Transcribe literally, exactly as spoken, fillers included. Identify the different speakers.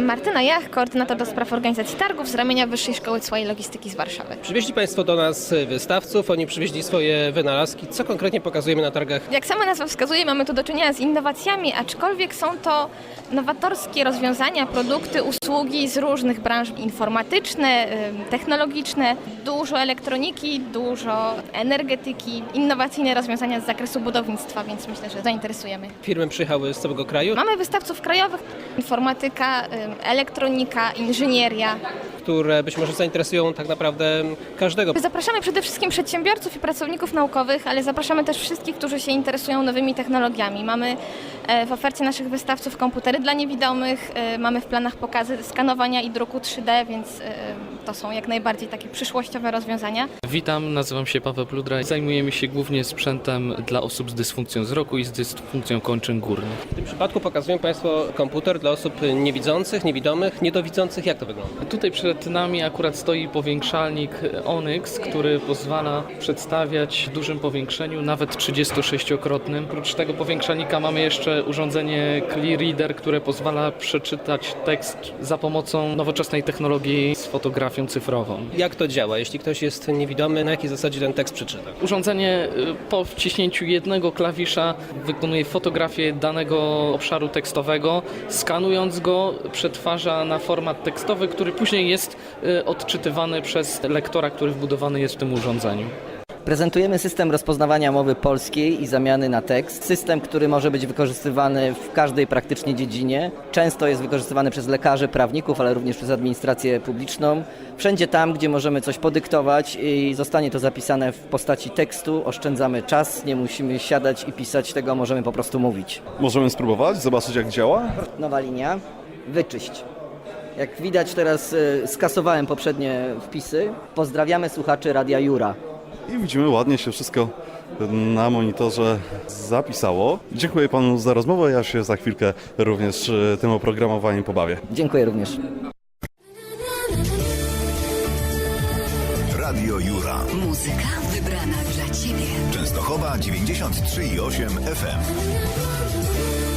Speaker 1: Martyna Jach, koordynator do spraw organizacji targów z ramienia Wyższej Szkoły Cła i Logistyki z Warszawy.
Speaker 2: Przywieźli Państwo do nas wystawców, oni przywieźli swoje wynalazki. Co konkretnie pokazujemy na targach?
Speaker 1: Jak sama nazwa wskazuje, mamy tu do czynienia z innowacjami, aczkolwiek są to nowatorskie rozwiązania, produkty, usługi z różnych branż informatyczne, technologiczne, dużo elektroniki, dużo energetyki, innowacyjne rozwiązania z zakresu budownictwa, więc myślę, że zainteresujemy.
Speaker 2: Firmy przyjechały z całego kraju,
Speaker 1: Mamy wystawców krajowych, informatyka, elektronika, inżynieria.
Speaker 2: które być może zainteresują tak naprawdę każdego.
Speaker 1: Zapraszamy przede wszystkim przedsiębiorców i pracowników naukowych, ale zapraszamy też wszystkich, którzy się interesują nowymi technologiami. Mamy w ofercie naszych wystawców komputery dla niewidomych, mamy w planach pokazy skanowania i druku trzy D, więc to są jak najbardziej takie przyszłościowe rozwiązania.
Speaker 3: Witam, nazywam się Paweł Pludra. Zajmujemy się głównie sprzętem dla osób z dysfunkcją wzroku i z dysfunkcją kończyn górnych.
Speaker 2: W tym przypadku pokazują Państwo komputer dla osób niewidzących, niewidomych, niedowidzących. Jak to wygląda?
Speaker 3: Tutaj przed nami akurat stoi powiększalnik Onyx, który pozwala przedstawiać w dużym powiększeniu, nawet trzydziestosześciokrotnym. Oprócz tego powiększalnika mamy jeszcze urządzenie Clear Reader, które pozwala przeczytać tekst za pomocą nowoczesnej technologii z fotografią cyfrową.
Speaker 2: Jak to działa? Jeśli ktoś jest niewidomy, na jakiej zasadzie ten tekst przeczyta?
Speaker 3: Urządzenie po wciśnięciu jednego klawisza wykonuje fotografię danego obszaru tekstowego, skanując go przetwarza na format tekstowy, który później jest odczytywany przez lektora, który wbudowany jest w tym urządzeniu.
Speaker 4: Prezentujemy system rozpoznawania mowy polskiej i zamiany na tekst. System, który może być wykorzystywany w każdej praktycznie dziedzinie. Często jest wykorzystywany przez lekarzy, prawników, ale również przez administrację publiczną. Wszędzie tam, gdzie możemy coś podyktować i zostanie to zapisane w postaci tekstu, oszczędzamy czas, nie musimy siadać i pisać tego, możemy po prostu mówić.
Speaker 5: Możemy spróbować, zobaczyć jak działa.
Speaker 4: Nowa linia, wyczyść. Jak widać teraz skasowałem poprzednie wpisy. Pozdrawiamy słuchaczy Radia Jura.
Speaker 5: I widzimy, ładnie się wszystko na monitorze zapisało. Dziękuję panu za rozmowę, ja się za chwilkę również tym oprogramowaniem pobawię.
Speaker 4: Dziękuję również.
Speaker 6: Radio Jura.
Speaker 7: Muzyka wybrana dla Ciebie.
Speaker 6: Częstochowa dziewięćdziesiąt trzy i osiem F M.